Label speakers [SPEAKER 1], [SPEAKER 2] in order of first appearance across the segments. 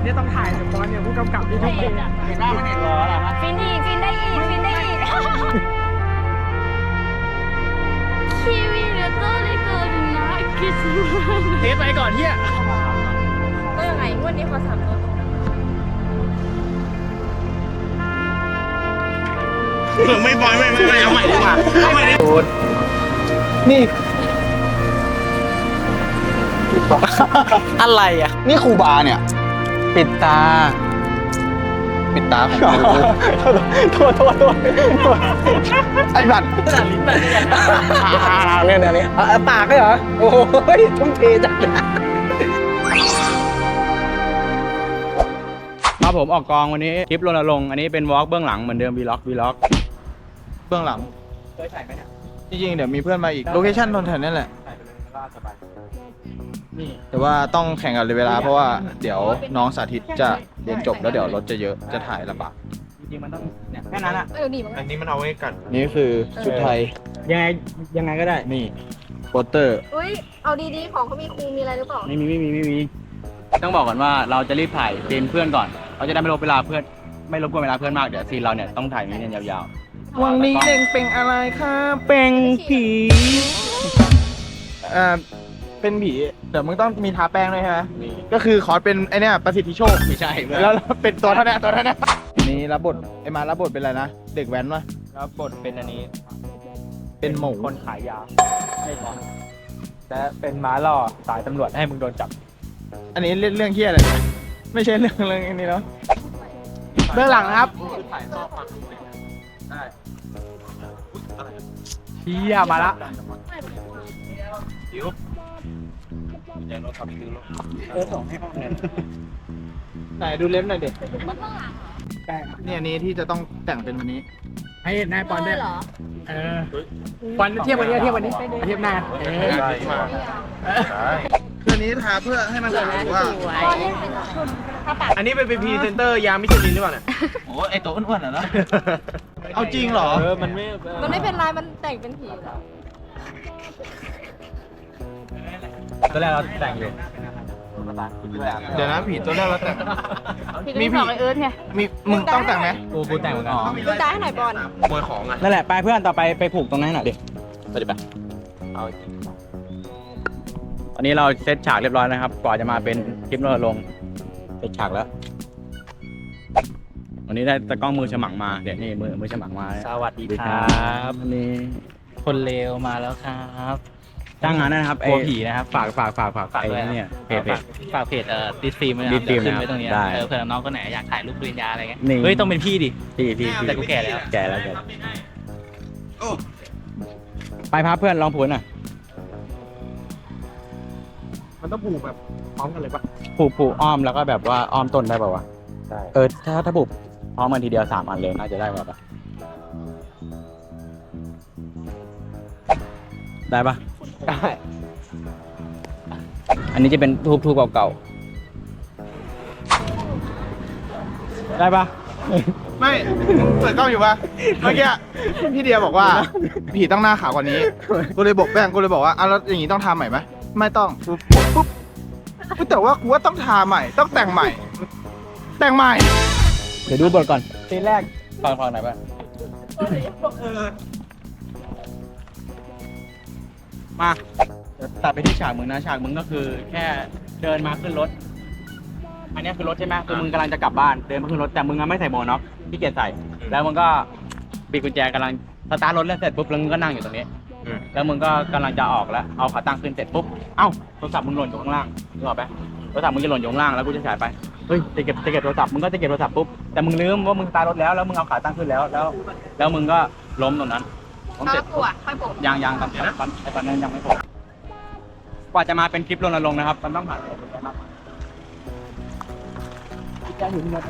[SPEAKER 1] เนี่ยต้องถ่ายแต่บอลเนี่ยผู้กำกับที่ทุ่มเท
[SPEAKER 2] เห็นหน้าไม่เห็นรอหรอ
[SPEAKER 3] ฟินอีกฟินได้อีกฟินได้อีกคีวีเดโต้เลยเกินนะคิดว่า
[SPEAKER 1] เทสไปก่อนเฮีย
[SPEAKER 3] ก็ยังไงงวดนี้ขอ3 ตัว
[SPEAKER 2] ไม่บอยไม่เอาใหม่ดีกว่าเอาใหม่ดิ
[SPEAKER 1] นี่
[SPEAKER 2] อะไรอ่ะนี่ครูบาเนี่ยปิดตาของกูโทษไอ้บัตรลิ้นแบบเนี่ยปากเลยเหรอโอ้ยทุ่มเทจัง
[SPEAKER 4] ครับผมออกกองวันนี้คลิปรณรงค์อันนี้เป็นวอล์กเบื้องหลังเหมือนเดิมวีล็อกเบื้องหลัง
[SPEAKER 1] เคยถ่ายไหมเนี่ย
[SPEAKER 4] จริงๆเดี๋ยวมีเพื่อนมาอีกโลเคชั่นตรงแถวนี้แหละ
[SPEAKER 1] ถ่ายไปเลยก็สบายนี่
[SPEAKER 4] แต่ว่าต้องแข่งกันเวลาเพราะว่าเดี๋ยวน้องสาธิตจะเรียนจบแล้วเดี๋ยวรถจะเยอะจะถ่ายลำบาก
[SPEAKER 1] จริงๆมันต้องเนี่ยแค่นั้นอ่ะ
[SPEAKER 3] ดีมั้ง
[SPEAKER 2] อันนี้มันเอาไว้กัน
[SPEAKER 4] นี่คือชุดไทย
[SPEAKER 1] ยังไงก็ได้
[SPEAKER 4] นี่โปสเตอร์
[SPEAKER 3] อุ้ยเอาดีๆของเขามีครูมีอะไรหรือเปล่า
[SPEAKER 4] ไม่มีต้องบอกก่อนว่าเราจะรีบถ่ายซีนเพื่อนก่อนเราจะได้ไม่รบกวนเวลาเพื่อนมากเดี๋ยวซีนเราเนี่ยต้องถ่ายนี้เนี่ยยาวๆวังนี้เล่งเป็นอะไรครับเป็นผีเป็นผีเดี๋ยวมึงต้องมีทาแป้งด้วยใช่ไหมก็คือขอเป็นไอเนี่ยประสิทธิโชคไม่ใช่แล้วเป็นตัวเท่านี้นี่รับบทไอมารับบทเป็นอะไรนะเด็กแว้นวะ
[SPEAKER 1] แล้วบทเป็นอันนี้
[SPEAKER 4] เป็นหมู
[SPEAKER 1] คนขายยาให้ก่อนและเป็นม้าล่อสายตำรวจให้มึงโดนจับ
[SPEAKER 4] อันนี้เรื่องเฮี้ยอะไรไม่ใช่เรื่องอันนี้เนาะเบื้องหลังนะครับ
[SPEAKER 1] เฮียมาละ
[SPEAKER 4] ไหนดูเล็บหน่อยเด็กนี่อันนี้ที่จะต้องแต่งเป็นวันนี้
[SPEAKER 1] ให้นายปอนด้วย
[SPEAKER 3] เหรอ
[SPEAKER 1] ปอนเทียบวันนี้เทียบหน้า
[SPEAKER 4] คืออันนี้ทาเพื่อให้มันรู้ว่า
[SPEAKER 2] อันนี้เป็นพรีเซนเตอร์ยามิชลินหรือเปล่าเนี่ย
[SPEAKER 4] โอ้ไอตัวอ้วนๆนะเอาจริงเหรอ
[SPEAKER 1] มันไม่
[SPEAKER 3] มันไม่เป็นไรมันแต่งเป็นผีแล้ว
[SPEAKER 1] ตอนแรกเราแต่งอยู่
[SPEAKER 4] เดี๋ยวนะผีตัวแรกเราแต่ง
[SPEAKER 3] มีผีไอเอิร์ธไง
[SPEAKER 4] มีมึงต้องแต่งไหม
[SPEAKER 1] กูแต่งเหมือนกัน
[SPEAKER 3] ดูใจให้หน่อยบอล
[SPEAKER 2] ขโมยของอ่ะ
[SPEAKER 4] นั่นแหละไปเพื่อนต่อไปผูกตรงนั้นให้หน่อยดิไปดิไปตอนนี้เราเซตฉากเรียบร้อยนะครับกว่าจะมาเป็นคลิปเราลงเซตฉากแล้ววันนี้ได้ตะกล้องมือฉมังมาเดี๋ยวนี่มือฉมังมา
[SPEAKER 1] สวัสดีครับ
[SPEAKER 4] นี่
[SPEAKER 1] คนเลวมาแล้วครับ
[SPEAKER 4] จ้างงานนะครับ
[SPEAKER 1] กลัวผีนะครับ
[SPEAKER 4] ฝากไอ้
[SPEAKER 1] ด้วย
[SPEAKER 4] เนี่ยเพจ
[SPEAKER 1] ฝากเพจดิสฟิล์ม
[SPEAKER 4] ดิสฟิล์ม
[SPEAKER 1] ขึ้นไว้ตรงนี้
[SPEAKER 4] ได้
[SPEAKER 1] เผื่อน้องคนไหนอยากถ่ายรูปปริญญาอะไรเงี้ย
[SPEAKER 4] นี่
[SPEAKER 1] เฮ้ยต้องเป็นพี่ดิ
[SPEAKER 4] พี่
[SPEAKER 1] แต่กูแก่แล้ว
[SPEAKER 4] แก่แล้วไปพาเพื่อนลองผูกหน่อย
[SPEAKER 1] มันต้องผูกแบบพร้อมกันเลยปะ
[SPEAKER 4] ผูกอ้อมแล้วก็แบบว่าอ้อมต้นได้ป่าวะได้ถ้าผูกพร้อมกันทีเดียว3 อันเลยน่าจะได้ป่ะได้ปะ
[SPEAKER 1] ได้
[SPEAKER 4] อันนี้จะเป็นทูบเก่าๆได้ปะ
[SPEAKER 2] ไม่เปิดกล้องอยู่ปะเมื่อกี้พี่เดียบอกว่าผีต้องหน้าขาวกว่านี้กูเลยบอกแป้งกูเลยบอกว่าแล้วอย่างนี้ต้องทาใหม่ไหมไม่ต้องปุ๊บแต่ว่ากูว่าต้องทาใหม่ต้องแต่งใหม่
[SPEAKER 4] เดี๋ยวดูบทก่อนซีนแรกฟังไหนอยปะมาเดี๋ยวตัดไปที่ฉากมึงนะฉากมึงก็คือแค่เดินมาขึ้นรถ อันนี้คือรถใช่ไหมคือมึงกำลังจะกลับบ้านเดินมาขึ้นรถแต่มึงไม่ใส่หมวกน็อกพี่เกียรใส่แล้วมึงก็ปิดกุญแจกำลังสตาร์ทรถแล้วเสร็จปุ๊บแล้วมึงก็นั่งอยู่ตรงนี้แล้วมึงก็กำลังจะออกแล้วเอาขาตั้งขึ้นเสร็จปุ๊บเอ้าโทรศัพท์มึงหล่นอยู่ข้างล่างนึกออกปะโทรศัพท์มึงจะหล่นอยู่ข้างล่างแล้วกูจะฉายไปเฮ้ยจะเก็บโทรศัพท์มึงก็จะเก็บโทรศัพท์ปุ๊บแต่มึงลืมว่ามึงสตาร์ทรถแล้วมึงเอาขาตั้งขึ้นแล้วมึงก็ล้มตรงนั้นล้มเสร็จ
[SPEAKER 3] ปวดค่อยปวด
[SPEAKER 4] ยังตอนนั้นยังไม่พอกว่าจะมาเป็นคลิปรณรงค์นะครับมันต้องผ่านอะไรเยอะมากจะอยู่ที่นั่น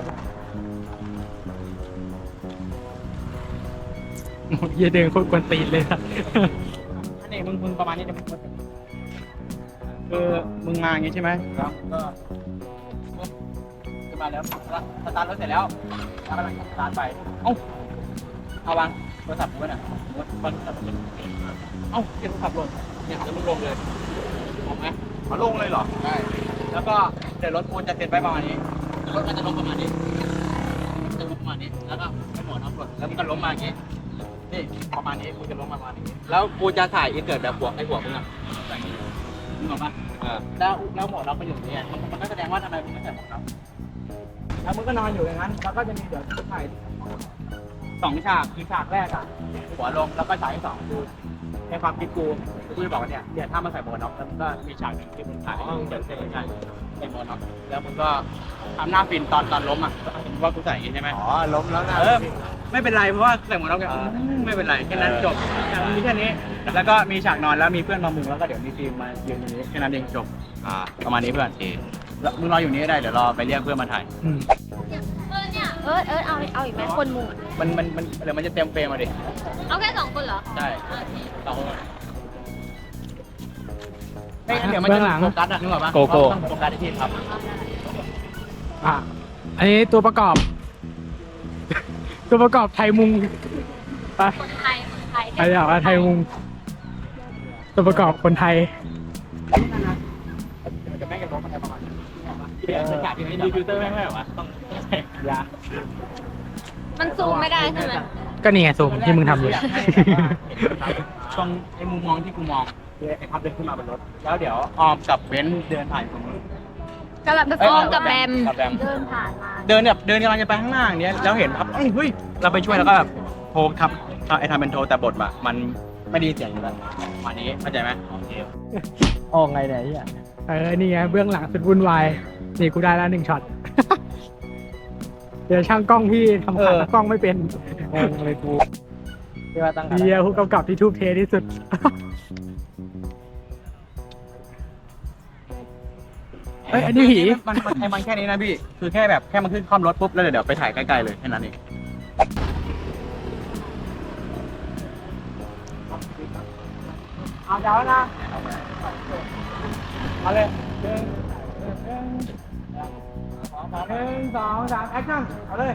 [SPEAKER 1] เหี้ยเดินโคตรกวนตีนเลยนะ
[SPEAKER 4] อันนี้มึงประมาณนี้จะคือมึงมาอย่างงี้ใช่ไหมแล้วก็ขึ้นมาแล้วสตาร์ทรถเสร็จแล้วกำลังสตาร์ทไปเอาวางโทรศัพท์ไว้น่ะเก็บโทรศัพท์ลงเนี่ยแล้วมึงลงเลยลงไหม
[SPEAKER 2] มาลงเลยเหรอ
[SPEAKER 4] ได้แล้วก็เดี๋ยวรถกูจะเสร็จไปประมาณนี้รถมันจะล้มประมาณนี้จะล้มประมาณนี้แล้วก็ให้หมอนเอากดแล้วมันก็ล้มมาอย่างงี้นี่ประมาณนี้กูจะล้มประมาณนี้แล้วกูจะถ่ายอินเสิร์ตแบบหัวไอ้หัวมึงอ่ะมึงออกปะแล้วหมอนเราไปอยู่เนี่ยมันก็แสดงว่าทำไมมึงไม่ใส่หมอนเราแล้วมึงก็นอนอยู่อย่างนั้นแล้วก็จะมีเดี๋ยวถ่าย2 ฉากคือฉากแรกอ่ะหัวลงแล้วก็ฉากที่2คือในความคิดกูจะบอกว่าเนี่ยถ้ามาใส่หมวกน็อกแล้วมันก็มีฉากหนึ่งที่มึงถ่ายเดี๋ยวใส่หมวกน็อกแล้วมึงก็ทำหน้าฟินตอนล้มอ่ะว่ากูใส่อย่างงี้ใช่ไหมอ๋อล้มแล้วนะไม่เป็นไรเพราะว่าใส่หมวกน็อกเนี่ยไม่เป็นไรแค่นั้นจบมีแค่นี้แล้วก็มีฉากนอนแล้วมีเพื่อนมามุงแล้วก็เดี๋ยวมีฟิล์มมายืนอยู่นี้แค่นั้นเองจบประมาณนี้เพื่อนแล้วมึงรออยู่นี้ได้เดี๋ยวรอไปเรียกเพื่อนมาถ่าย
[SPEAKER 3] เนี่ยเอาอีกไหมคนมุงอะ
[SPEAKER 4] มันเดี๋ยวมันจะเต็มเฟรมมาดิ
[SPEAKER 3] เอาแค่2 คนเหรอ
[SPEAKER 4] ใช่2 คนไม่งั้นเดี๋ยวมันจะโฟกัสอ่ะนึกออกปะ
[SPEAKER 1] โกโก้
[SPEAKER 4] ต้องโฟกัสที่ครับ
[SPEAKER 1] อันนี้ตัวประกอบ ตัวประกอบไทยมุงไป
[SPEAKER 3] คนไทย
[SPEAKER 1] ไปอยากว่าไทยมุง ตัวประกอบคนไทย
[SPEAKER 4] จะแม่งกันล้มอะไรประมาณนี้เดี๋ยวฉากที่นี้ฟิลเตอร์แม่งไม่หรอวะต้องใช้ยา
[SPEAKER 3] มันซูมไม่ได้ใช่ไหม
[SPEAKER 1] ก็นี่ไงซูมที่มึงทำอยู่
[SPEAKER 4] ตรงไอ้มุมมองที่กูมองไอ้พับเดินขึ้นมาบนรถแล้วเดี๋ยวออมกับเบนซ์เดินผ่านตรงนู้น
[SPEAKER 3] กำลังไปฟ้องกับแบม
[SPEAKER 4] กับแบม
[SPEAKER 3] เดินผ่านมา
[SPEAKER 4] เดินกำลังจะไปข้างหน้าอย่างเนี้ยแล้วเห็นพับเฮ้ยเราไปช่วยแล้วก็แบบโทรทับไอ้ทำเป็นโทรแต่บทอะมันไม่ได้ยินเสียงอยู่แล้ววันนี้เข้าใจไหมโอเค
[SPEAKER 1] ออกไงเนี่ยนี่ไงเบื้องหลังสุดวุ่นวาย นี่กูได้แล้ว1 ช็อต เดี๋ยวช่างกล้องพี่ทำขาตั้งกล้องไม่เป็นงงเลยกูที่ว่าตั้งขาเฮียผู้กำกับที่ทูบเทที่สุด เฮ้ยอันนี้ผี
[SPEAKER 4] มันแค่นี้นะพี่คือแค่แบบแค่มันขึ้นคล่อมรถปุ๊บแล้วเดี๋ยวไปถ่ายใกล้ๆเลยแค่นั้นเองเอาเดี๋ยวนะเอาเลย1 2 3แอคชั่นเอาเลย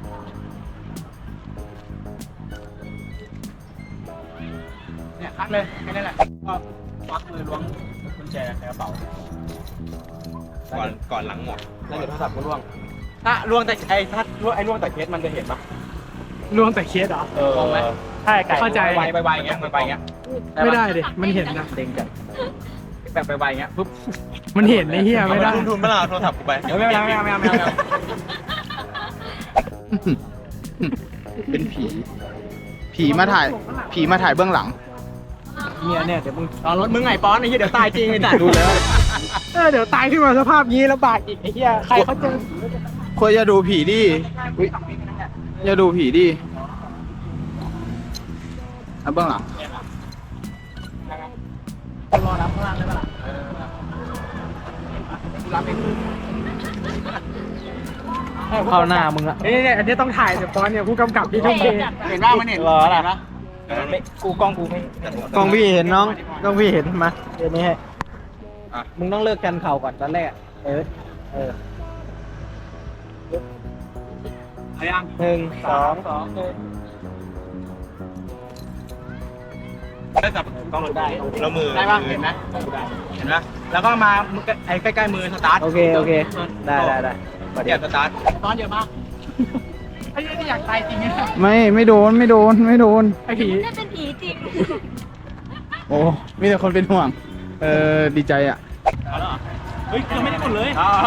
[SPEAKER 4] เนี่ยคัดเลยแค่นี้แหละก็ควักมือล้วงกุญแจในกระเป๋าก่อนหลังหมดแล้วเดี๋ยวโทรศัพท์ก็ล่วงถ้าล่วงแต่ถ้าล่วงแต่เคสมันจะเห็นปะ
[SPEAKER 1] ล่วงแต่เคสเหรอ
[SPEAKER 4] มองไหม
[SPEAKER 1] ใช่เข้าใจ
[SPEAKER 4] ไวๆอย่างเงี้ยไวๆอย่างเงี้ย
[SPEAKER 1] ไม่ได้ดิมันเห็นนะ
[SPEAKER 4] เด้งจัดแบบไวๆอย่างเงี้ยปุ๊บ
[SPEAKER 1] มันเห็นไอ้เหี้ยไม่ได้
[SPEAKER 4] ทุนเมื่อไหร่โทรศัพท์กูไปเดี๋ยวไม่เอา
[SPEAKER 2] เป็นผี ผีมาถ่ายเบื้องหลัง
[SPEAKER 4] เนี่ยเดี๋ยวมึงเอารถมึงไงป้อนไอ้เหี้ยเดี๋ยวตายจริงไอ้สัตว์ดูแล้ว
[SPEAKER 1] เดี๋ยวตายขึ้นมาสภาพนี้แล้วบาดอีกไอ้เหี้ยใครเขาเจอ
[SPEAKER 2] ควรจะดูผีดิอุ๊ยอย่าดูผีดิเอาเบื้องหลัง
[SPEAKER 4] รอรับข้างล่างได้ปะล่ะรับเอง
[SPEAKER 1] เข้าหน้ามึงอะนี่อันนี้ต้องถ่ายเดี๋ยวตอนเนี่ยผู้กำกับที่ทุ่มเท
[SPEAKER 4] เห็นว่ามันเห็นรอละกูกล้องกูไม่
[SPEAKER 1] กล้องพี่เห็นน้องกล้องพี่เห็นมาเดี๋ยวนี้ให้มึงต้องเลิกกันเข่าก่อนตอนแรกเออ
[SPEAKER 4] เอายัง
[SPEAKER 1] 1 2
[SPEAKER 4] ได้จับกล้องได้แล้วมือได้ป่ะเห็นไหมเห็นไหมแล้วก็มาไอ้ใกล้ๆมือสตาร์ท
[SPEAKER 1] โอเคได้
[SPEAKER 4] เดี๋ยวสตาร์ทตอนเยอะมากไอ้ที่อยากตายจริงเนี่ย
[SPEAKER 2] ไม่โดน
[SPEAKER 1] ไอ้ผี
[SPEAKER 3] ได้เป็นผีจริง
[SPEAKER 2] โอ้มีแต่คนเป็นห่วง ดีใจอ่ะ
[SPEAKER 4] เอาแล้วเหรอเฮ้ยยังไม่ได้กดเลย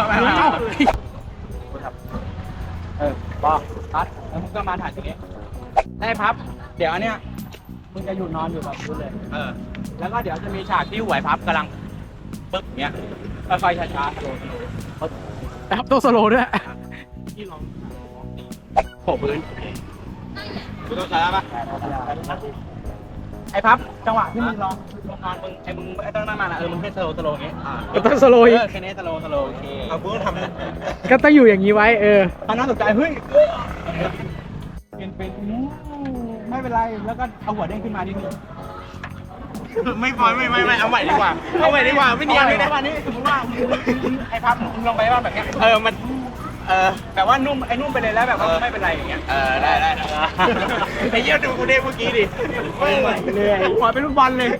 [SPEAKER 4] ปอพัดแล้วมึงก็มาถ่ายตรงนี้ได้พับเดี๋ยวอันเนี้ยมึงจะอยู่นอนอยู่แบบนี้เลยแล้วก็เดี๋ยวจะมีฉากที่หวยพับกำลังปึ๊บเนี้ยค่อยๆช้าๆโดน
[SPEAKER 1] แอปตัวสโลว์ด้วย
[SPEAKER 4] ที่ลองโผล่พื้นดูตัวช้าป่ะไอ้พับจังหวะที่มึงลองนอนมึงมึงต้องนั่งมามึงให้สโลว์อย่างงี้
[SPEAKER 1] ต้องสโลว์อีก
[SPEAKER 4] แค่นี้สโลว์โอเคเอากูต้องทำนะ
[SPEAKER 1] ก็ต้องอยู่อย่างนี้ไว้
[SPEAKER 4] ตอนนั้นตกใจเฮ้ยเป็นไม่เป็นไรแล้วก็เอาหัวเด้งขึ้นมาที่นี่ไม่เอาใหม่ดีกว่าไม่เนียนเลยนะวันนี้สมมติว่าไอ้พับมึงลงไปว่าแบบเนี้ยมันแบบว่านุ่มไอ้นุ่มไปเลยแล้วแบบว่าไม่เป็นไรอย่างเงี้ยได้ไอ้เยี่ยดูกูเด้งเมื่อกี้ดิเหนื่อยหัวเป็นลูกบอลเลย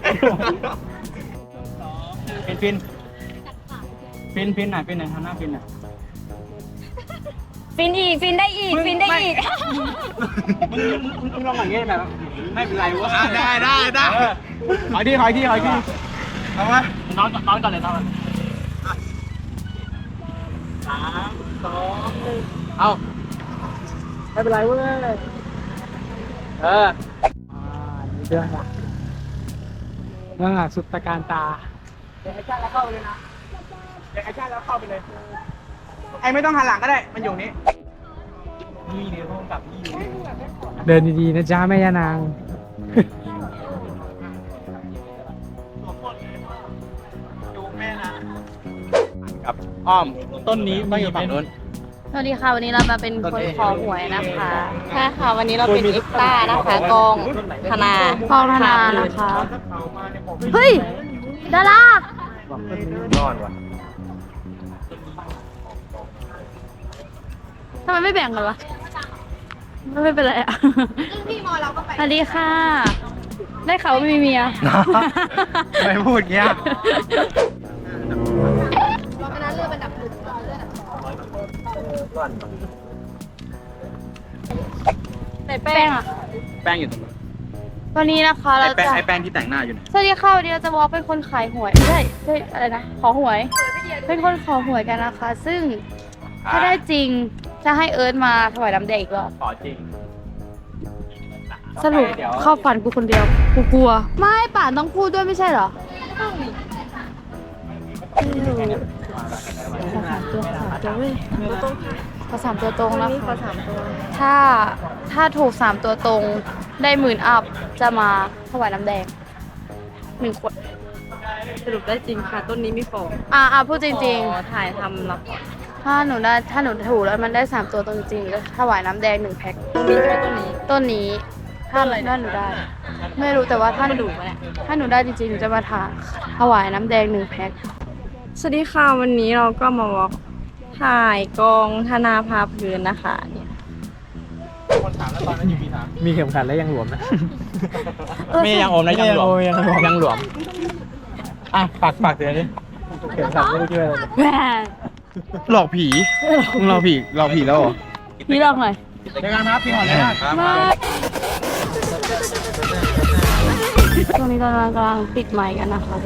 [SPEAKER 4] ฟินหน่อยทำหน้าฟินหน่อย
[SPEAKER 3] ฟินอีกฟินได้อีกฟินได้อีก
[SPEAKER 4] มึงลองอย่างเงี้ยแบบไม่เป็นไรวะ
[SPEAKER 2] ได้
[SPEAKER 4] ขอที่
[SPEAKER 2] เอามา
[SPEAKER 4] นอนก่อนเลยนอน3 2 1เอาไม่เป็นไรเว้ย
[SPEAKER 1] นี่เรื่องหลักเรื่องหลักสุดตะการตา
[SPEAKER 4] เดี๋ยวไอ้ชาติแล้วเข้าไปเลยนะเดี๋ยวไอ้ชาติแล้วเข้าไปเลยไอ้ไม่ต้องหันหลังก็ได้มันอยู่นี้นี่เดี๋ยวกับนี่อยู่
[SPEAKER 1] เดินดีๆนะจ๊ะแม่ย่านาง
[SPEAKER 4] กับอ้อมต้นนี้ต้องอยู่ฝั่งนู้น
[SPEAKER 3] สวัสดีค่ะวันนี้เรามาเป็นคนขอหวยนะคะใช่ค่ะวันนี้เราเป็นเอ็กต้านะคะกองธนากองธนานะคะเฮ้ยดารา
[SPEAKER 4] นอนว่ะ
[SPEAKER 3] ทำไมไม่แบ่งกันวะไม่เป็นไรอ่ะสวัสดีค่ะ ได้ข่าวว่าไม่มีเมีย
[SPEAKER 4] ไม่พูดเงี้ย
[SPEAKER 3] ไหนแป้งอ่ะ
[SPEAKER 4] แป้งอยู่ตรงนู้น
[SPEAKER 3] วันนี้นะคะเราจะ
[SPEAKER 4] ไอ้แป้งที่แต่งหน้าอยู่เนี่ย
[SPEAKER 3] สวัสดีค่ะวันนี้เราจะวอล์กเป็นคนขายหวยไม่ใช่อะไรนะขอหวย เป็นคนขอหวยกันนะคะ ซึ่งถ้าได้จริงจะให้เอิร์ธมาถวายน้ำแดงอีกรอบ
[SPEAKER 4] ขอจริง
[SPEAKER 3] สรุปเข้าฝันกูคนเดียวกูกลัว ไม่ป่านต้องพูดด้วยไม่ใช่เหรอไม่รู้ขอ3 ตัวเว้ยขอ3 ตัวตรงแล้วขอ3 ตัวถ้าถูก3 ตัวตรงได้10,000 อัพจะมาถวายน้ำแดง1 ขวด
[SPEAKER 5] สรุปได้จริงค่ะ ต้นนี้มีของ
[SPEAKER 3] พูดจริง
[SPEAKER 5] ถ่ายทำรับ
[SPEAKER 3] ๆถ้าหนูถูกแล้วมันได้3 ตัวตรงจริงก็ถวายน้ำแดง1 แพ็ค
[SPEAKER 5] มีแค่ต้นนี้
[SPEAKER 3] ต้นนี้ถ้าหนูได้ ไม่รู้แต่ว่าถ้าหนู
[SPEAKER 5] ถูกไหมเนี่ย
[SPEAKER 3] ถ้าหนูได้จริงๆหนูจะมาถวายน้ำแดง1 แพ็ค
[SPEAKER 5] สวัสดีค่ะ วันนี้เราก็มาวอล์กถ่ายกองธนาภาพื้นนะคะเนี่ย
[SPEAKER 4] คนถามแล้วตอนนั้นอยู่ปีถาม
[SPEAKER 1] มีเข็มขัดและยังหลวมนะ
[SPEAKER 4] ไม่ยังอมนะยังหลวมยังหลวมอ่ะฝากเตือนดิ
[SPEAKER 1] เข็มขัดไม่ได้ช่วยอะไร
[SPEAKER 3] แหม
[SPEAKER 2] หลอกผีมึงหลอกผีแล้วเหรอ
[SPEAKER 3] พี่ลองหน่อย
[SPEAKER 4] เจอกันครับพี่หอนเลยครับ
[SPEAKER 3] มาช่วงนี้เรากำลังปิดไมค์กันนะคะ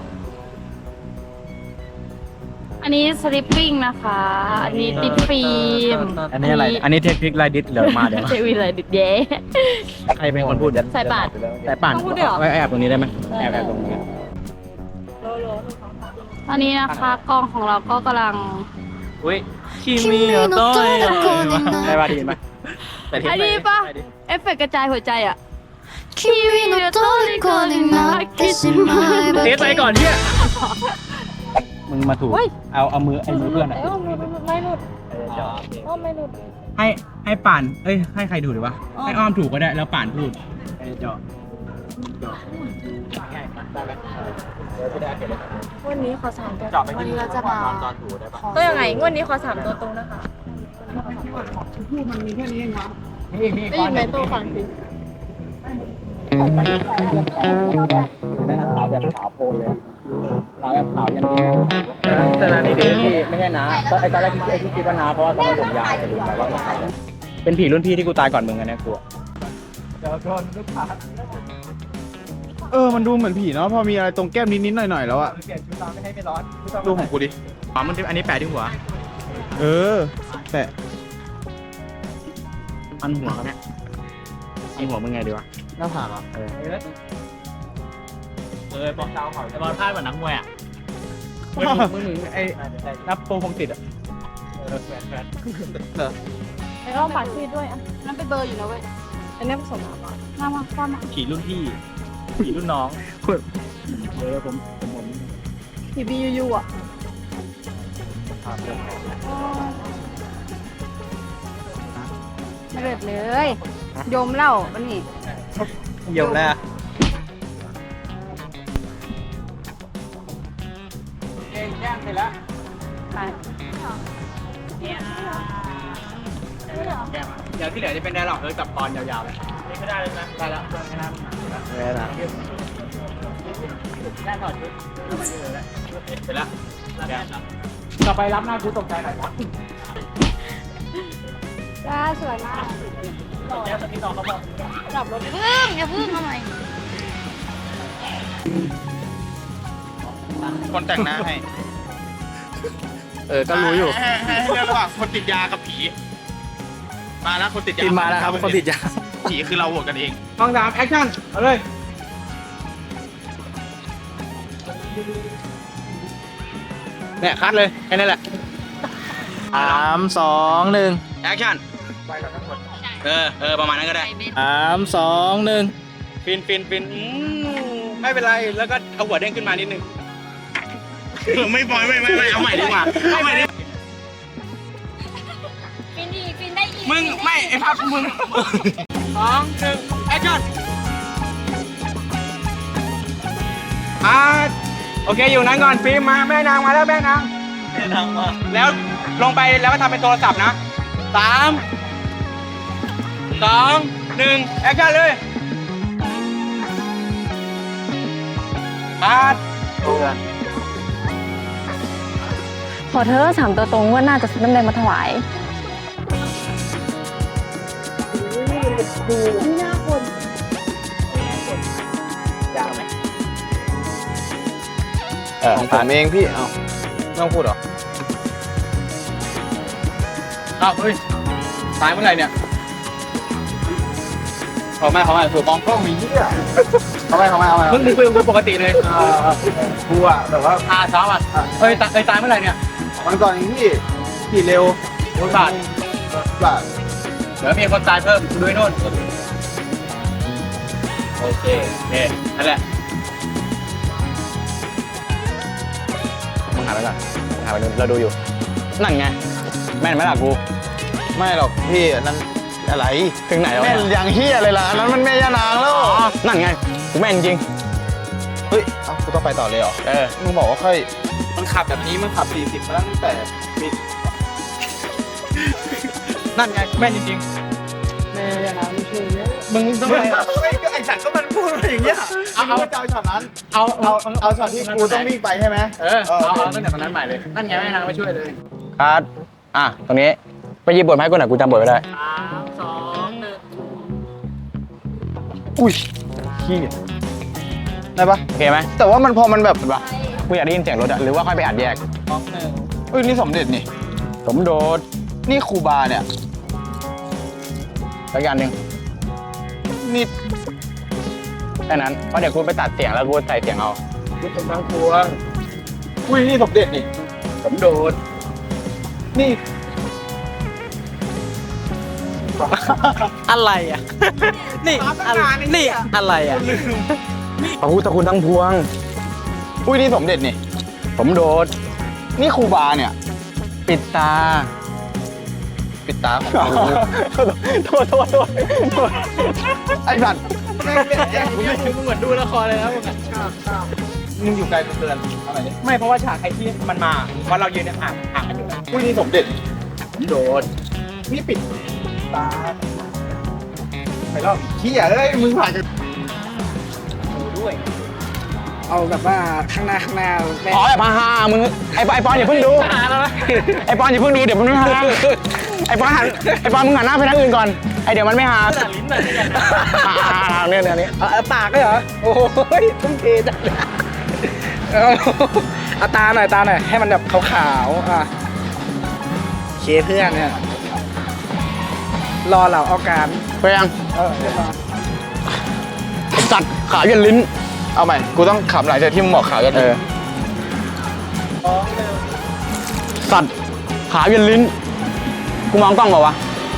[SPEAKER 3] อันนี้สลิปปิ้งนะคะ อันนี้ติดฟิล์ม
[SPEAKER 4] อันนี้อะไรอันนี้เทคนิคไลดิสเดี๋ยวมาเดี๋ยว
[SPEAKER 3] เทวิเลยดิดเย้
[SPEAKER 4] ใครเป็นคนพูด
[SPEAKER 3] ใส่บาตร
[SPEAKER 4] แต่ป่านไว้แอบตรงนี้ได้ไหมแอบตรงนี้
[SPEAKER 3] ตอนนี้นะคะกล้องของเราก็กำลัง
[SPEAKER 4] อุ้ยคิมิโนโตะได้ป่ะดีไหม
[SPEAKER 3] อันนี้ปะเอฟเฟกต์กระจายหัวใจอ่ะ
[SPEAKER 6] 君の虜になってしまえば
[SPEAKER 4] เทสไปก่อนเนี่ยมึงมาถูกเอามือเพื่อนอะ
[SPEAKER 3] ไม่หลุดไม่หลุด
[SPEAKER 4] ให้ป่านให้ใครถูกดีวะให้อ้อมถูกก็ได้แล้วป่านพูดเจาะ
[SPEAKER 3] วันนี้ขอ3 ตัว
[SPEAKER 4] เจาะไป
[SPEAKER 3] วัน
[SPEAKER 4] ที่
[SPEAKER 3] นี้เราจะมา
[SPEAKER 4] ตอนถูกได้ปะ
[SPEAKER 5] ก็ยังไงงวดนี้ขอ3 ตัวตรงนะคะ
[SPEAKER 3] ได้ยินไหมตัวฟังสิ
[SPEAKER 4] ขาวแบบขาวโพลเลยขาวแบบขาวยันดีแต่นานี่พี่ไม่ใช่นะตอนแรกที่คิดว่านาเพราะว่าตอนผมยาวจะดูแต่ว่าเป็นผีรุ่นพี่ที่กูตายก่อนมึงอะเนี่ยกูเดี๋ยวโดนลูกค้า
[SPEAKER 2] มันดูเหมือนผีเนาะพอมีอะไรตรงแก้มนิดๆหน่อยๆแล้วอะ
[SPEAKER 4] เปลี่ยนชุดนอนไม่ให้ไม่ร้อน
[SPEAKER 2] ดูของกูดิ
[SPEAKER 4] อ๋อมันอันนี้แปะที่หัว
[SPEAKER 2] แต่
[SPEAKER 4] มันหัวเขาเนี่ยมีหัวมึงไงดีวะ
[SPEAKER 2] หน้าผากอ่ะ
[SPEAKER 4] บอกเจ้าเขาบอลพลาดเหมือนนักมวยอ่ะมึงไอ้รับโปรคงติดอ่ะแฝด
[SPEAKER 3] ไอ้อ้อมปากซีดด้วยอ่ะนั่นเป็นเบอร์อยู่นะเว้ย
[SPEAKER 5] อันนี้ผสมน้ำก่อน
[SPEAKER 3] มาความมา
[SPEAKER 4] ผีรุ่นพี่ผีรุ่นน้องผม
[SPEAKER 3] ทีบียูอ่ะไม่เลิศเลยโยมเล่าวันนี้
[SPEAKER 4] เยี่ยวแล้วย่างเสร็จแล้ว
[SPEAKER 3] ไป
[SPEAKER 4] เดี๋ยวที่เหลือจะเป็นไดร็อกเลยกับตอนยาวๆเลยนี่ไม่ได้เลยนะได้แล้วแค่นั้นได้แล้วแค่ถอดชุดเสร็จแล้วต่อไปรับหน้ากูตกใจหน่อยครับ
[SPEAKER 3] จ้าสวยมากดับรถอย่าพึ่งมาหน่อย
[SPEAKER 2] คนแต่งหน้าให้
[SPEAKER 4] ก็รู้อยู่
[SPEAKER 2] ให้เลือกระหว่างคนติดยากับผี มาแล้วคนติดยา
[SPEAKER 4] พิมพ์มาแล้วครับคนติดยา
[SPEAKER 2] ผีคือเราโหวตกันเอง
[SPEAKER 4] กล้อง3แอคชั่นเอาเลยเนี่ยคัดเลยแค่นั้นแหละ
[SPEAKER 2] 3 2 1
[SPEAKER 4] แอคชั่นประมาณนั้นก็ได้
[SPEAKER 2] 3 2 1
[SPEAKER 4] ฟินไม่เป็นไรแล้วก็เอาหัวเด้งขึ้นมานิดนึง
[SPEAKER 2] ไม่ปล่อยไม่เอาใหม่ดีกว่าเอาใหม่ดิ
[SPEAKER 3] ฟินดีฟินได้อีก
[SPEAKER 4] มึงไม่ไอ้พับมึง2 1แอคชั่นโอเคอยู่นั้นก่อนฟิล์มมาแม่นางมาแล้วแม่นางมาแล้วลงไปแล้วก็ทำเป็นโทรศัพท์นะ3 2 1แอคชั่นเลย
[SPEAKER 5] ขอเธอ3ตัวตรงว่าน่าจะซื้อน้ำแดงมาถวาย
[SPEAKER 2] ของผมเองพี่ เอาไม่ต้องพูดหรอ
[SPEAKER 4] เฮ้ยตายเมื่อไหร่เนี่ยเขาไม่ถูกมองกล้องมีเหี้ย
[SPEAKER 2] เอาไป
[SPEAKER 4] มึงคุยกับกูปกติเลย
[SPEAKER 2] กูอะแบบว่า
[SPEAKER 4] เช้าเฮ้ยตายเมื่อไหร่เนี่ย
[SPEAKER 2] วันก่อนเองพี่ขี่เร็ว
[SPEAKER 4] รถบาท
[SPEAKER 2] แบบ
[SPEAKER 4] เดี๋ยวมีคนตายเพิ่มดูไอ้นู่นโอเคนั่นแหละมึงหาไปก่อนหาไปดูเราดูอยู่นั่นไงแม่นไหมล่ะกู
[SPEAKER 2] ไม่หรอกพี่อันนั้นอะไร
[SPEAKER 4] ถึงไหนแล้ว
[SPEAKER 2] แม่นอย่างเฮียเลยล่ะอันนั้นมันแม่ย่านางแล้ว
[SPEAKER 4] นั่นไงกูแม่นจริง
[SPEAKER 2] เฮ้ยเอ้ากูต้องไปต่อเลยเหรอ มึงบอกว่าค่อย
[SPEAKER 4] มันขับแบบนี้มันขับ
[SPEAKER 2] 40มาตั้งแต่ปี
[SPEAKER 4] นั่นไงแม่นจริง
[SPEAKER 1] แม่ยังไงไม่ช่วยเยอะ
[SPEAKER 4] ๆมึงต้องไป
[SPEAKER 2] ไอ้ฉันก็มันพูดมาอย่างเงี้ยเอาช็อตนั้น เอาช็อตที่กูต้องวิ่งไปใช่ไหม
[SPEAKER 4] เอาตั้งแต่ตอนนั้นใหม่เลยนั่นไงแม่นางไม่ช่วยเลยคัดตรงนี้ไปหยิบบทมาให้กูหน่อยกูจำบทไม่ได้
[SPEAKER 1] 3 2
[SPEAKER 2] อุ้ยขี้ได้ปะ
[SPEAKER 4] โอเคไหม
[SPEAKER 2] แต่ว่ามันพอมันแบบ
[SPEAKER 4] กูอยากได้ยินเสียงรถอะหรือว่าค่อยไปอัดแยก
[SPEAKER 2] เอ้ยนี่สมเด็จนี่
[SPEAKER 4] สมโดด
[SPEAKER 2] นี่ครูบาเนี่ย
[SPEAKER 4] แล้วกันหนึ่ง
[SPEAKER 2] นี่
[SPEAKER 4] แค่นั้นเพราะเดี๋ยวกูไปตัดเสียงแล้วกูใส่เสียงเอา
[SPEAKER 2] นี่เป็นทั้งครัวอุ้ยนี่สมเด็จนี่
[SPEAKER 4] สมโดด
[SPEAKER 2] นี่
[SPEAKER 4] อะไรอ่ะ นี่อะไรอ่ะพระพุทธคุณทั้งพวง
[SPEAKER 2] อุ้ยนี่สมเด็จนี่
[SPEAKER 4] สมโดด
[SPEAKER 2] นี่ครูบาเนี่ย
[SPEAKER 4] ปิดตา
[SPEAKER 2] ปิดตาของกู
[SPEAKER 4] โทษ
[SPEAKER 2] ไอ้สัตว์
[SPEAKER 4] มึงเหมือนดูละครเลยนะมึง
[SPEAKER 2] มึงอยู่ไกลกูเตือนเอาหน่อยดิ
[SPEAKER 4] ไม่เพราะว่าฉากไอ้ที่มันมาเพราะเรายืนเนี่ยห่างกันอยู่นะ
[SPEAKER 2] อุ้ยนี่สมเด็จ
[SPEAKER 4] สมโดด
[SPEAKER 2] นี่ปิดตาไปรอบขี้อ่ะเอ้ยมึงผ่านกัน
[SPEAKER 4] ด้วย
[SPEAKER 1] เอาแบบว่าข้างหน้าแม่
[SPEAKER 4] อ๋อแบบฮามึงไอ้ปอนอย่าเพิ่งดูไอ้ปอนอย่าเพิ่งดูเดี๋ยวมันไม่ฮาไอ้ปอนมึงหันหน้าไปทางอื่นก่อนไอ้เดี๋ยวมันไม่ฮาลิ้นแบบนี้เนี่ย
[SPEAKER 1] ปากเลยเหรอ โอ้ยต้องเทจังเลยเอาตาหน่อยให้มันแบบขาวๆเคเพื่อนเนี่ยรอเราเอาการ
[SPEAKER 4] ไปยังไอ้สัตว์ขายันลิ้น
[SPEAKER 2] เอาใหม่กูต้องขำหลายจากที่มึงบอกขาวกัน
[SPEAKER 4] สัตว์ขายันลิ้นกูมองกล้องเปล่าวะ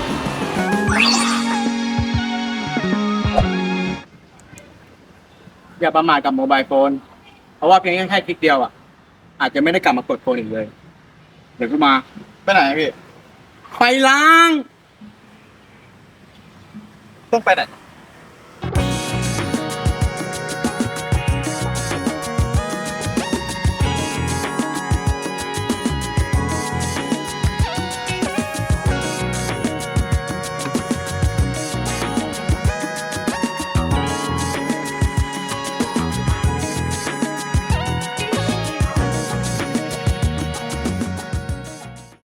[SPEAKER 4] อย่าประมาทกับโมบายโฟนเพราะว่าเพียงแค่คลิกเดียวอาจจะไม่ได้กลับมากดโฟนอีกเลยเดี๋ยวกูมา
[SPEAKER 2] ไปไหนพี่
[SPEAKER 4] ไปล้าง
[SPEAKER 2] ต้องไปไหน